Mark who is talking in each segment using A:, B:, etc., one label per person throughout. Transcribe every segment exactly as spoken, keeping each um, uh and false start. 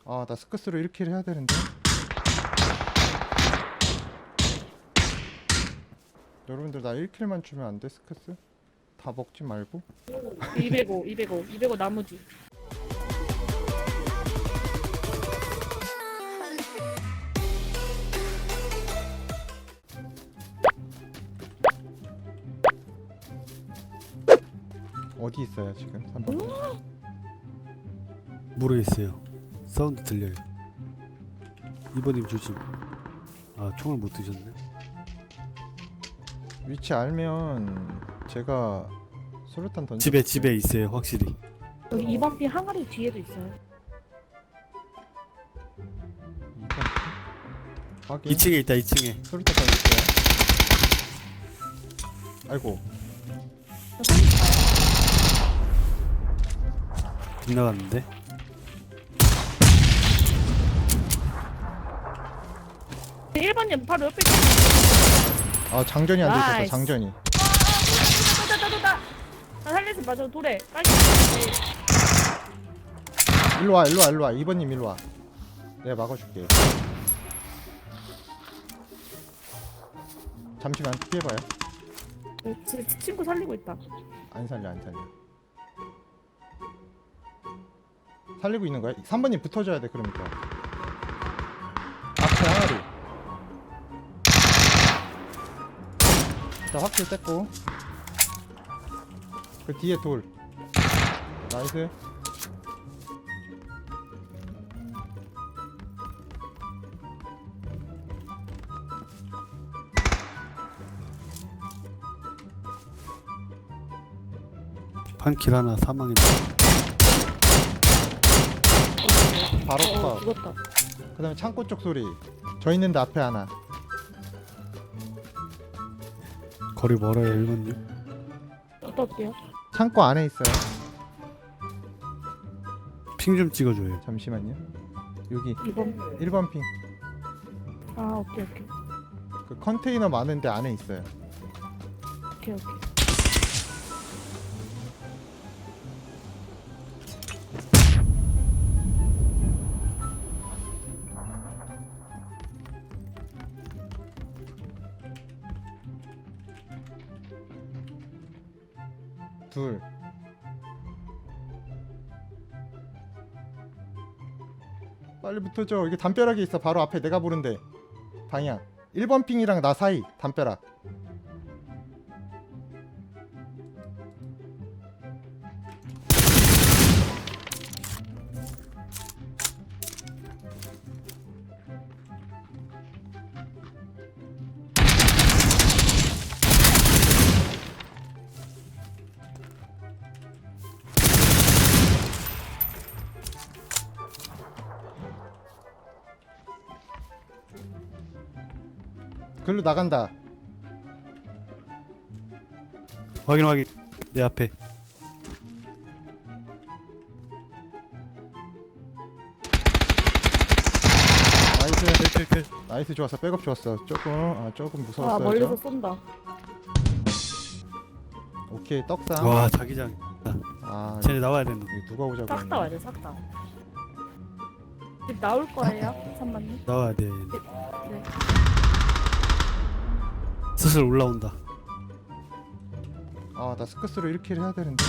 A: 아, 나 스크스로 일 킬 해야 되는데. 여러분들 나 일 킬만 주면 안 돼, 스크스? 다 먹지 말고.
B: 이백오, 이백오, 이백오 나머지.
A: 어디 있어요, 지금? 삼 번.
C: 모르겠어요. 사운드 들려요. 이번님 조심. 아 총을 못 드셨네.
A: 위치 알면 제가 수류탄 던져.
C: 집에 집에 있어요 확실히.
B: 여기 이번 피 항아리 뒤에도 있어요.
A: 확인.
C: 이 층에 있다 이 층에.
A: 수류탄 던질게요. 아이고.
B: 저 삼십 가요.
C: 빗나갔는데.
B: 일 번님 바로 옆에 있어.
A: 아, 장전이 안 돼 있었어.
B: 나이스.
A: 장전이.
B: 도다, 도다, 도다. 나 살려서 맞아, 도래. 빨리.
A: 일로 와, 일로 와, 일로 와. 이 번님 일로 와. 내가 막아줄게. 잠시만 피해봐요.
B: 제 친구 살리고 있다.
A: 안 살려, 안 살려. 살리고 있는 거야? 삼 번님 붙어줘야 돼, 그러니까. 앞에 항아리. 자, 확실 뗐고. 그 뒤에 돌. 나이스.
C: 판킬 하나 사망했다.
A: 바로
B: 어,
A: 컷.
B: 죽었다.
A: 그 다음에 창고 쪽 소리. 저 있는데 앞에 하나.
C: 거리 멀어요 일번님.
B: 갔다 올게요.
A: 창고 안에 있어요.
C: 핑 좀 찍어줘요.
A: 잠시만요. 여기
B: 이번.
A: 일 번 핑.
B: 아, 오케이, 오케이.
A: 그 컨테이너 많은데 안에 있어요.
B: 오케이, 오케이.
A: 둘. 빨리 붙어줘. 이게 담벼락에 있어. 바로 앞에 내가 보는데. 방향. 일 번 핑이랑 나 사이. 담벼락. 글로 나간다.
C: 확인 확인. 내 앞에.
A: 나이스.
C: 킬킬킬.
A: 나이스 좋았어. 백업 좋았어. 조금 아 조금
B: 아,
A: 무서웠어요.
B: 멀리서
A: 저.
B: 쏜다.
A: 오케이 떡상.
C: 와 자기장.
A: 아
C: 쟤네 나와야 되는.
A: 이거 누가 오자고
B: 싹 다 와야 돼, 싹 다. 집 나올 거예요, 잠만요.
C: 나와야 돼.
B: 네.
C: 슬슬 올라온다.
A: 아나 스크스로 일 킬 해야 되는데.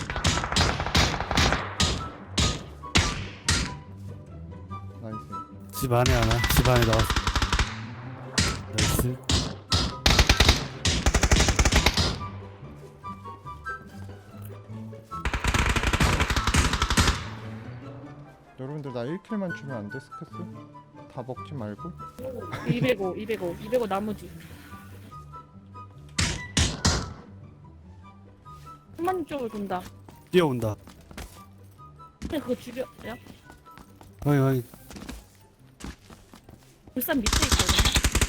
A: 나이스.
C: 집 안에 하나. 집 안에 나왔어. 나이스.
A: 여러분들 나 일 킬만 주면 안 돼, 스크스? 다 먹지 말고.
B: 이백오, 이백오, 이백오 나머지. 한만 쪽을 돈다.
C: 뛰어온다.
B: 근데 그거 죽여요?
C: 확인 확인.
B: 울산 밑에 있거든요.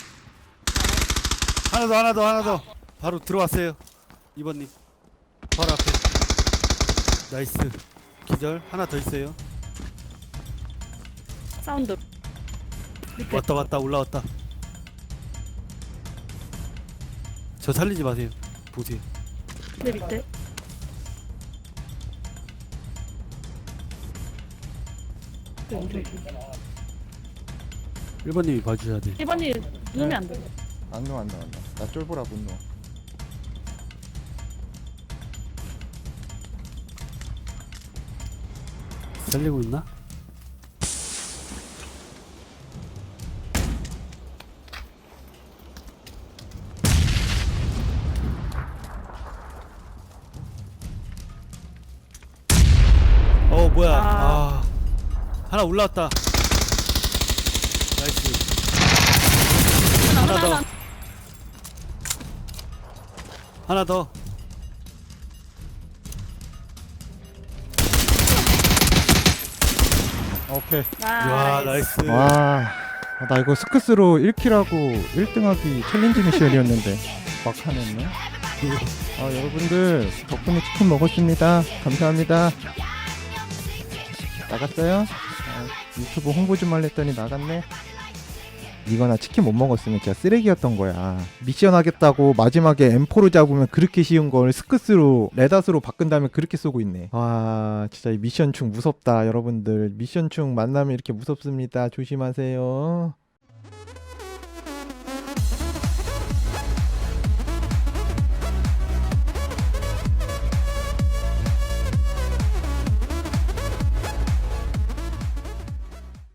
C: 하나 더 하나 더 하나 더. 바로 들어왔어요. 이번님. 바로 앞에. 나이스. 기절. 하나 더 있어요.
B: 사운드. 밑에.
C: 왔다 왔다 올라왔다. 저 살리지 마세요. 보세요.
B: 내 밑에. 있어요. 저기.
C: 일 번님이 봐주셔야 돼.
B: 일 번님 누우면 안 돼요.
A: 안 누워 안 누워 안 누워. 나 쫄보라 못 누워.
C: 살리고 있나? 어 뭐야?
B: 아.
C: 아 하나 올라왔다. 나이스. 하나 더. 하나 더.
A: 오케이.
C: 와 나이스.
A: 와, 아, 나 이거 스크스로 일 킬하고 일 등 하기 챌린지 미션이었는데 막판 했네. 아, 여러분들 덕분에 치킨 먹었습니다. 감사합니다. 나갔어요? 아, 유튜브 홍보 좀 하랬더니 나갔네. 이거나 치킨 못 먹었으면 진짜 쓰레기였던 거야. 미션 하겠다고 마지막에 엠포로 잡으면 그렇게 쉬운 걸 스크스로 레닷으로 바꾼 다음에 그렇게 쏘고 있네. 와, 진짜 이 미션충 무섭다. 여러분들 미션충 만나면 이렇게 무섭습니다. 조심하세요.